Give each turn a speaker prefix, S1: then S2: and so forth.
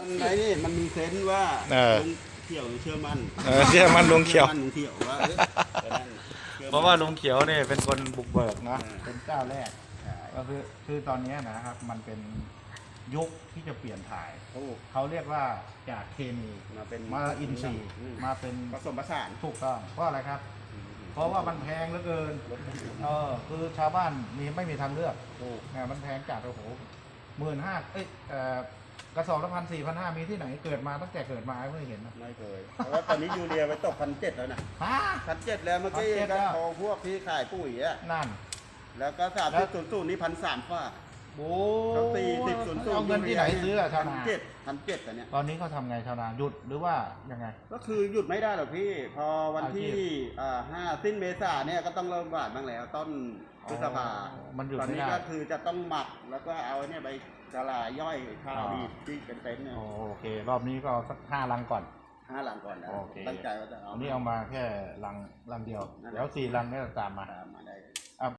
S1: มันไหนนี่มันมีเซนส์ว่า
S2: เออ
S1: ลุงเขียวเชื่อมั่น
S2: เชื่อมันลุงเขียว
S1: ชื่อมั่นลุงเขียวว่าจะนั่นชื่อมั่น
S2: เพราะว่าลุงเขียวเนี่ยเป็นคนบุกเบิกนะ
S1: เออ
S2: เป็นเจ้าแรก
S1: ใช่
S2: ก็คือตอนนี้นะครับมันเป็นยุคที่จะเปลี่ยนถ่าย
S1: ถูก
S2: เขาเรียกว่าจากเคมี
S1: มาเป็น
S2: มาอินทรีย์
S1: อืม
S2: มาเป็น
S1: ผสมผสาน
S2: ถูกต้องเพราะอะไรครับ เพราะว่ามันแพงเหลือเกินคือชาวบ้านไม่มีทางเลือก
S1: ถูก
S2: เนี่ยมันแพงจัดโอ้โห15,000กระสอบละ1,400-1,500มีที่ไหนเกิดมาตั้งแต่เกิดมาไม่เคยเห็นนะ
S1: ไม่เคยเพราะว่าตอนนี้ยูเรียไปตก1,700แล้วนะ
S2: ฮะ
S1: 1,700แล้วเมื่อกี้
S2: 1,700
S1: ก็
S2: แล้ว
S1: โทรพวกที่ขายปุ๋ยอะ
S2: นั่น
S1: แล้วก็3000นี่1,300ฝ่า
S2: โอ้
S1: เขา4000
S2: เอาเงินที่ไหนซื้ออะชาวนา
S1: 1,700อันเนี้ย
S2: ตอนนี้เขาทำไงชาวนาหยุดหรือว่ายังไง
S1: ก็คือหยุดไม่ได้หรอกพี่ พอวันที่
S2: อาชีพ
S1: 5 สิ้นเมษาเนี่ยก็ต้องเริ่มหวานบ้างแล้ว ต้นพฤษภา
S2: มันหยุด
S1: ตอน
S2: ไม่
S1: นี้
S2: ได้
S1: ก็คือจะต้องหมักแล้วก็เอาเนี่ยไปกะลาย่อยข้าวดีที่เป็นเต็นท์เนี่ย
S2: โอเค รอบนี้ก็เอาสัก5 ลังก่อน
S1: 5 หลังก่อนนะ
S2: โอเค
S1: ตั้งใจว่าจะเอา
S2: อันนี้เอามาแค่ลังเดียว
S1: นั่นแหละ
S2: เดี๋ยว4 ลังเนี่ยตามมา
S1: ตามมาได้